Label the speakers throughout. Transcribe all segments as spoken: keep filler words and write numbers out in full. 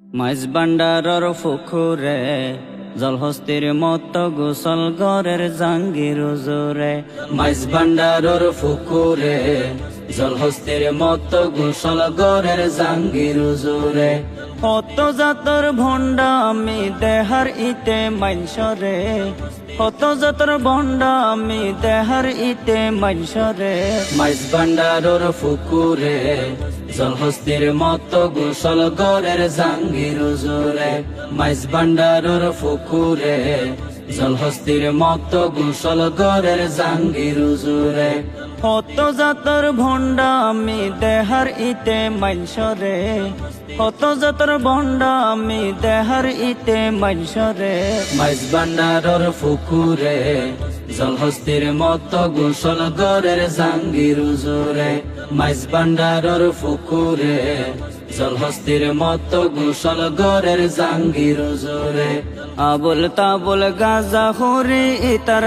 Speaker 1: মাইজ ভান্ডারর ফুকুরে জলহস্তির মত গোসল গরের জাঙ্গির জোরে। মাইজ ভান্ডারর ফুকুরে জলহস্তির মত গোসল গরের জাঙ্গির জোরে। কত জাতর ভণ্ডা আমি দেহার ইতে মাইনসরে, কত জাতর ভণ্ডা আমি দেহার ইতে মাইনসরে। মাইজ ভান্ডারর ফুকুরে জলহস্তির মত গোসল গরের জাঙ্গির জোরে। মাইজ ভান্ডারর ফুকুরে জলহস্তির মত গোসল গরের জাঙ্গির জোরে। কত জাতর ভণ্ডা আমি দেহার ইতে মাইনসরে, কত জাতর ভণ্ডা আমি দেহার ইতে মাইনসরে। মাইজ ভান্ডারর ফুকুরে জলহস্তির মত গোসল গরের জাঙ্গির জোরে। মাইজ ভান্ডারর ফুকুরে জলহস্তির মত গোসল গরের জাঙ্গির জোরে। আবুল তাবুল গাজা হুরি ইতার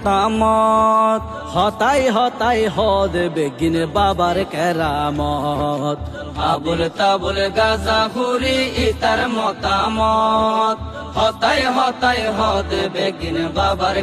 Speaker 1: মতামত, হতাই হতাই হদ বেগিন বাবার কেরামত। আবুল তাবুল গাজা হুরি ইতার মতামত, হতাই হতাই হদ বেগিন বাবার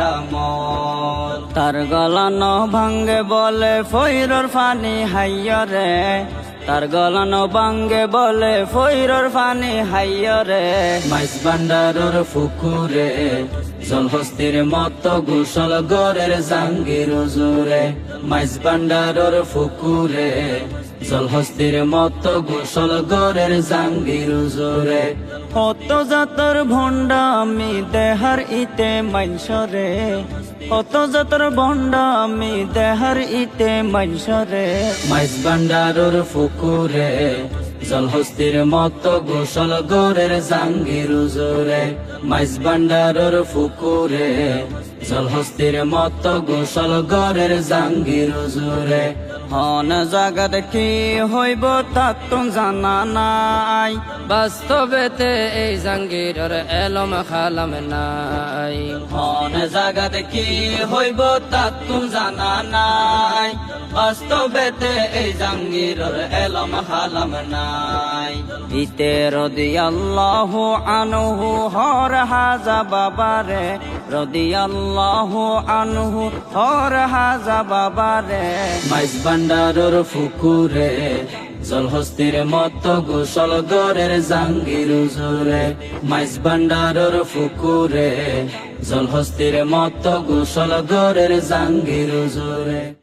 Speaker 1: কেরামত। তার গলানো ভাঙ্গে বলে ফইরর ফানি হাইয়রে, তার গলানো ভাঙ্গে বলে ফইরর ফানি হাইয়রে। মাইজ ভান্ডারর ফুকুরে জলহস্তির মত গোসল গরের জাঙ্গির জোরে। মাইজ ভান্ডারর ফুকুরে জলহস্তির মত গোসল গরের জাঙ্গির জোরে। কত জাতর ভণ্ডা আমি দেহার ইতে মাইনসরে, কত জাতর ভণ্ডা আমি দেহার ইতে মাইনসরে। মাইজ ভান্ডারর ফুকুরে জলহস্তির মত গোসল গরের জাঙ্গির জোরে। মাইজ ভান্ডারর ফুকুরে জলহস্তির মত গোসল গরের জাঙ্গির জোরে। হন জাগাত কি হইব তাক তো জানা নাই,
Speaker 2: বাস্তবেতে এই জাঙ্গিরর এলম খালাম নাই।
Speaker 1: হন জাগাত কি হইব তাক তো জানা নাই, বাস্তবেতে এই জাঙ্গিরর এলম খালাম নাই। ইতে রাদিয়াল্লাহু আনহু হর হাজা বাবারে, রাদিয়াল্লাহু আনহু হর হাজা বাবারে। মাইজ ভান্ডারর ফুকুরে জলহস্তির মত গোসল গরের জাঙ্গির জোরে। মাইজ ভান্ডারর ফুকুরে জলহস্তির মত গোসল গরের জাঙ্গির জোরে।